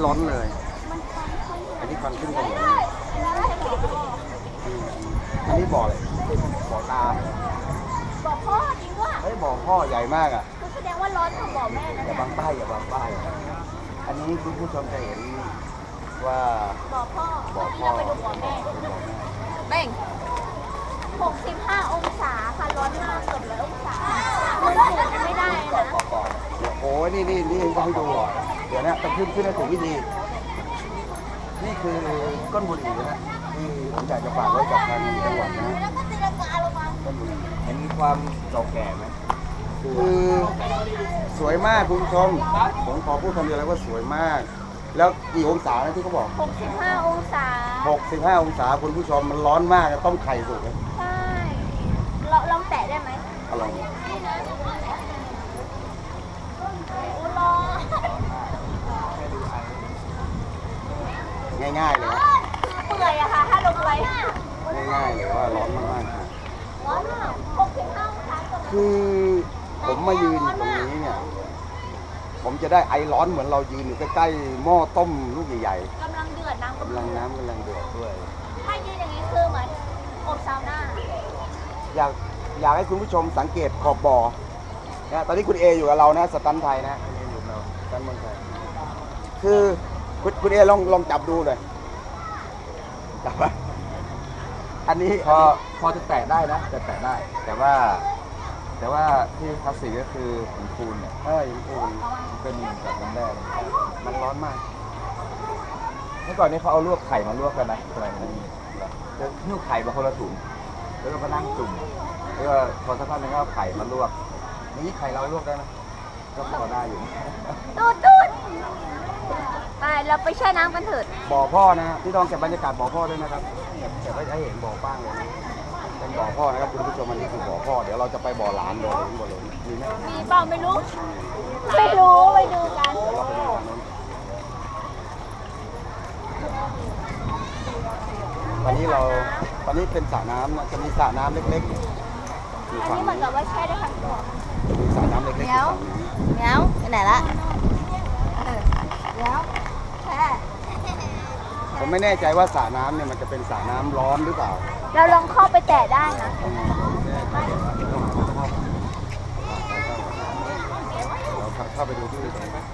ร้อนเลยอันนี้ควันขึ้นถนนอันนี้บ่อเลยบ่อตาบ่อพ่อจริงด้วยเฮ้ยบ่อพ่อใหญ่มากอ่ะแสดงว่าร้อนกว่าบ่อแม่นะอย่าบังป้ายอย่าบังป้ายอันนี้คุณผู้ชมจะเห็นว่าบ่อพ่อเราไปดูบ่อแม่เบ่ง65 องศาค่ะร้อนมากเกือบ100 องศาไม่ได้นะโอ้ยนี่ต้องให้ดูเดี๋ยวนะต้องขึ้นให้ถูกวิธีนี่คือก้นบุหรี่นะที่ผมอยากจะฝากไว้กับทางจังหวัดนะแล้วก็ตีลังกาลงมาก้นบุหรี่เห็นความเก่าแก่ไหมคือสวยมากคุณผู้ชมผมขอพูดคำเดียวเลยว่าสวยมากแล้วกี่องศาที่เขาบอก 65 องศา 65 องศาคุณผู้ชมมันร้อนมากต้มไข่สุกเลยใช่ลองแตะได้ไหมลองง่ายๆเลยเปื่อยอะค่ะถ้าลงไปง่ายๆเลยว่าร้อนมากๆร้อนมาก65 องศาคือผมมายืนตรงนี้เนี่ยผมจะได้ไอร้อนเหมือนเรายืนอยู่ใกล้ๆหม้อต้มลูกใหญ่ๆกำลังเดือดน้ำกำลังเดือดด้วยถ้ายืนอย่างนี้คือเหมือนอบซาวน่าอยากให้คุณผู้ชมสังเกตขอบบ่อนะตอนนี้คุณเออยู่กับเรานะสตันไทยนะคุณเออยู่กับเราสตันเมืองไทยคือคุณเอลองจับดูเลยจับไปอันนี้พอจะแตะได้นะจะแตะได้ แต่ว่าที่คลาสสิกก็คือหินปูนเนี่ยหินปูนเป็นแบบน้ำแร่มันร้อนมากเมื่อก่อนนี้เขาเอาลวกไข่มาลวกกันนะสมัยนี้จะหิ้วไข่มาคนละถุงแล้วก็มานั่งจุ่มแล้วก็พอสักพักนึงก็เอาไข่มาลวกนี่ไข่เราลวกได้ไหมก็พอได้อยู่ตูดไปเราไปแช่น้ำกันเถิดบ่อพ่อนะพี่ต้องเก็บบรรยากาศบ่อพ่อด้วยนะครับเก็บไว้ให้เห็นบ่อป้างเลยเป็นบ่อพ่อนะครับคุณผู้ชมอันนี้คือบ่อพ่อเดี๋ยวเราจะไปบ่อหลานบ่อหลงมีไหมมีเปล่าไม่รู้ไปดูกันตอนนี้เป็นสระน้ำนะจะมีสระน้ำเล็กๆอันนี้เหมือนกับว่าแช่ได้ทั้งตัวมีสระน้ำเล็กๆเงี้ยวไปไหนละเงี้ยวแช่ผมไม่แน่ใจว่าสระน้ำเนี่ยมันจะเป็นสระน้ำร้อนหรือเปล่าเราลองเข้าไปแตะได้นะเราเข้าไปดูที่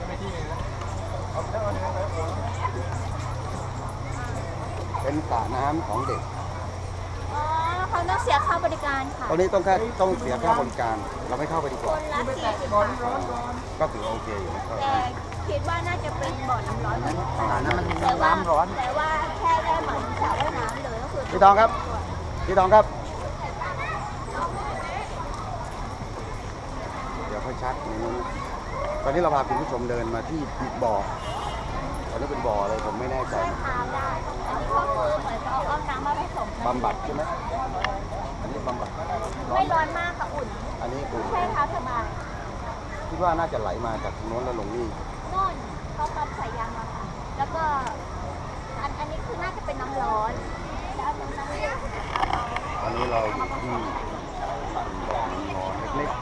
เป็นสระน้ำของเด็กเขาต้องเสียค่าบริการค่ะตอนนี้ต้องเสียค่าบริการเราไม่เข้าไปดีกว่าคนละ40 บาทก็ถือโอเคอยู่แต่คิดว่าน่าจะเป็นบ่อน้ำร้อนน้ำร้อนแต่ว่าแค่ได้เหมือนสระว่ายน้ำเลยก็คือพี่ทองครับเดี๋ยวค่อยชัดตอนนี้เราพาคุณผู้ชมเดินมาที่บ่อตอนนี้เป็นบ่ออะไรผมไม่แน่ใจทานได้อันนี้ก็คือเหมือนเอาน้ำมาผสมบำบัดใช่ไหมอันนี้บำบัดไม่ร้อนมากค่ะอุ่นอันนี้อุ่นใช่ค่ะสบายคิดว่าน่าจะไหลมาจากโน้นแล้วลงนี่โน่นเขาปั๊มสายยางมาค่ะแล้วก็อันนี้คือน่าจะเป็นน้ำร้อนแล้วน้ำเย็นตอนนี้เราอยู่ที่บ่อน้ำร้อนเล็กๆ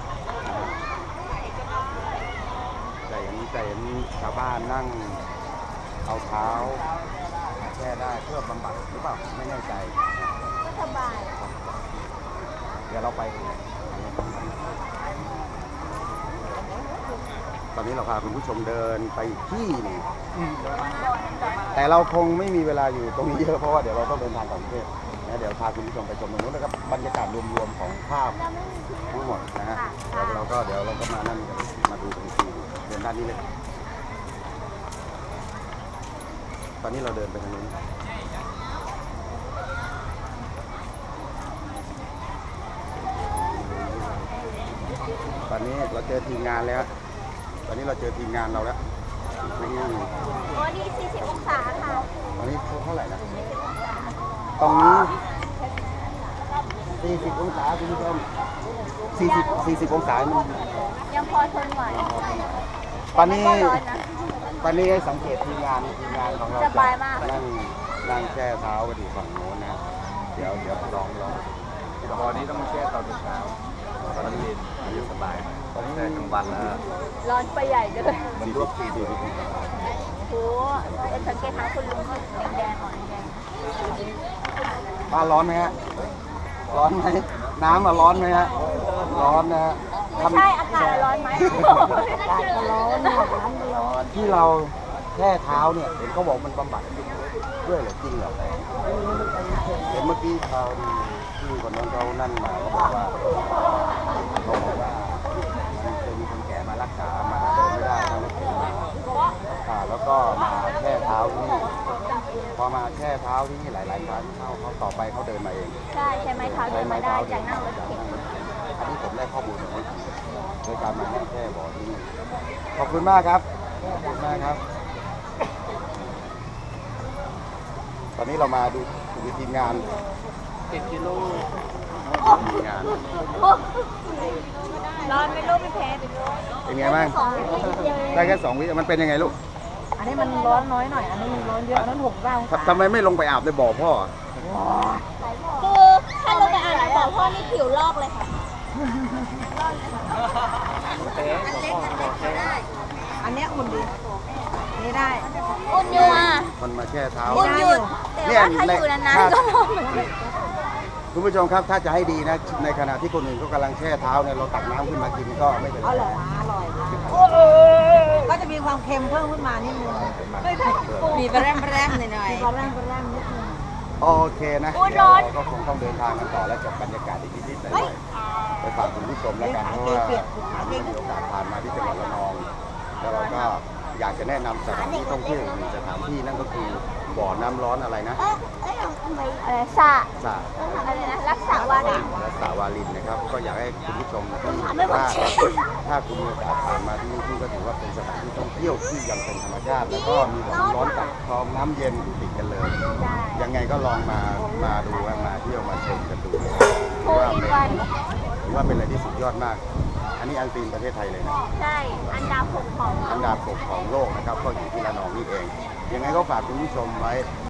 แต่เห็นชาวบ้านนั่งเอาเท้าแช่ได้เพื่อบำบัดหรือเปล่าไม่แน่ใจก็สบายเดี๋ยวเราไปตอนนี้เราพาคุณผู้ชมเดินไปที่นี่แต่เราคงไม่มีเวลาอยู่ตรงนี้เยอะเพราะว่าเดี๋ยวเราต้องเดินทางต่างประเทศนะเดี๋ยวพาคุณผู้ชมไปชมตรงนู้นนะครับบรรยากาศรวมๆของภาพทั้งหมดนะฮะแล้วเราก็เดี๋ยวเราก็มานั่นมาดูตรงที่เดินด้านนี้เลยตอนนี้เราเดินไปทางนู้นตอนนี้เราเจอทีมงานแล้วตอนนี้เราเจอทีมงานเราแล้วนี่40 องศาค่ะตอนนี้เท่าไหร่นะตรงนี้40 องศาคุณผู้ชม40 องศายังพอทนไหวตอนนี้ให้สังเกตทีมงานของเราจะนั่งแช่เท้ากันอยู่ฝั่งโน้นนะเดี๋ยวลองตอนนี้ต้องมาแช่ตอนเช้าตอนนี้เย็นอยู่สบายตอนนี้กลางวันแล้วร้อนไปใหญ่กันเลยมันลวก40 โสังเกตทางคุณลุงก็แดงๆอ่อนแดงบ้านร้อนไหมฮะ ร้อนไหม น้ำร้อนไหมฮะ ร้อนนะฮะไม่ใช่อากาศร้อนไหมอากาศก็ร้อนน้ำก็ร้อนที่เราแช่เท้าเนี่ยเห็นเขาบอกมันบำบัดด้วยเหรอจริงเหรอเห็นเมื่อกี้เขาที่คนนั้นเขานั่นมาเขาบอกว่าเคยมีคนแก่มารักษามาเดินไม่ได้ทั้งรถเข็นแล้วก็มาแช่เท้าที่นี่พอมาแช่เท้าที่นี่หลายๆครั้งเขาต่อไปเขาเดินมาเองใช่ใช่ไหมเท้าเดินมาได้จากนั่งรถเข็นอันนี้ผมได้ข้อมูลมาโดยการมาแช่บ่อที่นี่ขอบคุณมากครับขอบคุณมากครับ ตอนนี้เรามาดูทีมงาน7 กิโลทีมงานร้อนไหม่รู้พี่เพชรเป็นไงบ้างได้แค่2 วิมันเป็นยังไงลูกอันนี้มันร้อนน้อยหน่อย อันนี้มันร้อนเยอะ อันนั้น6 องศาทำไมไม่ลงไปอาบในบ่อพ่อคือถ้าลงไปอ่านบอกพ่อนี่ผิวลอกเลยค่ะอันเนี้ยอุ่นดี นี่ได้อุ่นอยู่อ่ะมันมาแช่เท้าอุ่นอยู่แต่ว่าถ้าอยู่นานๆก็ร้อนเหมือนกันคุณผู้ชมครับถ้าจะให้ดีนะในขณะที่คนอื่นเขากำลังแช่เท้าเนี่ยเราตักน้ำขึ้นมากินก็ไม่เป็นไรอร่อยอร่อยก็จะมีความเค็มเพิ่มขึ้นมานิดนึงมีแปรมหน่อยมีแปรมนิดนึงโอเคนะอุ๊ยเดี๋ยวร้อนเราก็คงต้องเดินทางกันต่อและเก็บบรรยากาศอีกนิดๆหน่อยๆไปฝากคุณผู้ชมแล้วกันเพราะว่ามีโอกาสผ่านมาที่จังหวัดระนองแล้วเราก็อยากจะแนะนำสถานที่ท่องเที่ยวอีกหนึ่งสถานที่นั่นก็คือบ่อน้ำร้อนอะไรนะอะไรสะสระอะไรนะรักษาวารีและสระวาลินนะครับ ก็อยากให้คุณผู้ชมที่ไม่บอกถ้าคุณมีโอกาสผ่านมาที่นี่ก็ถือว่าเป็นสถานที่ท่องเที่ยวที่ยังเป็นธรรมชาติแล้วก็มีบ่อน้ำร้อนกับคลองน้ำเย็นอยู่ติดกันเลย ยังไงก็ลองมาดูมาเที่ยวมาชมกันดูนะครับโฟอินวันถือว่าเป็นอะไรที่สุดยอดมาก อันนี้อันซีนประเทศไทยเลยนะใช่ อันดาบ6ของอันดับ6ของโลกนะครับ ก็อยู่ที่ระนองนี่เอง ยังไงก็ฝากคุณผู้ชมไว้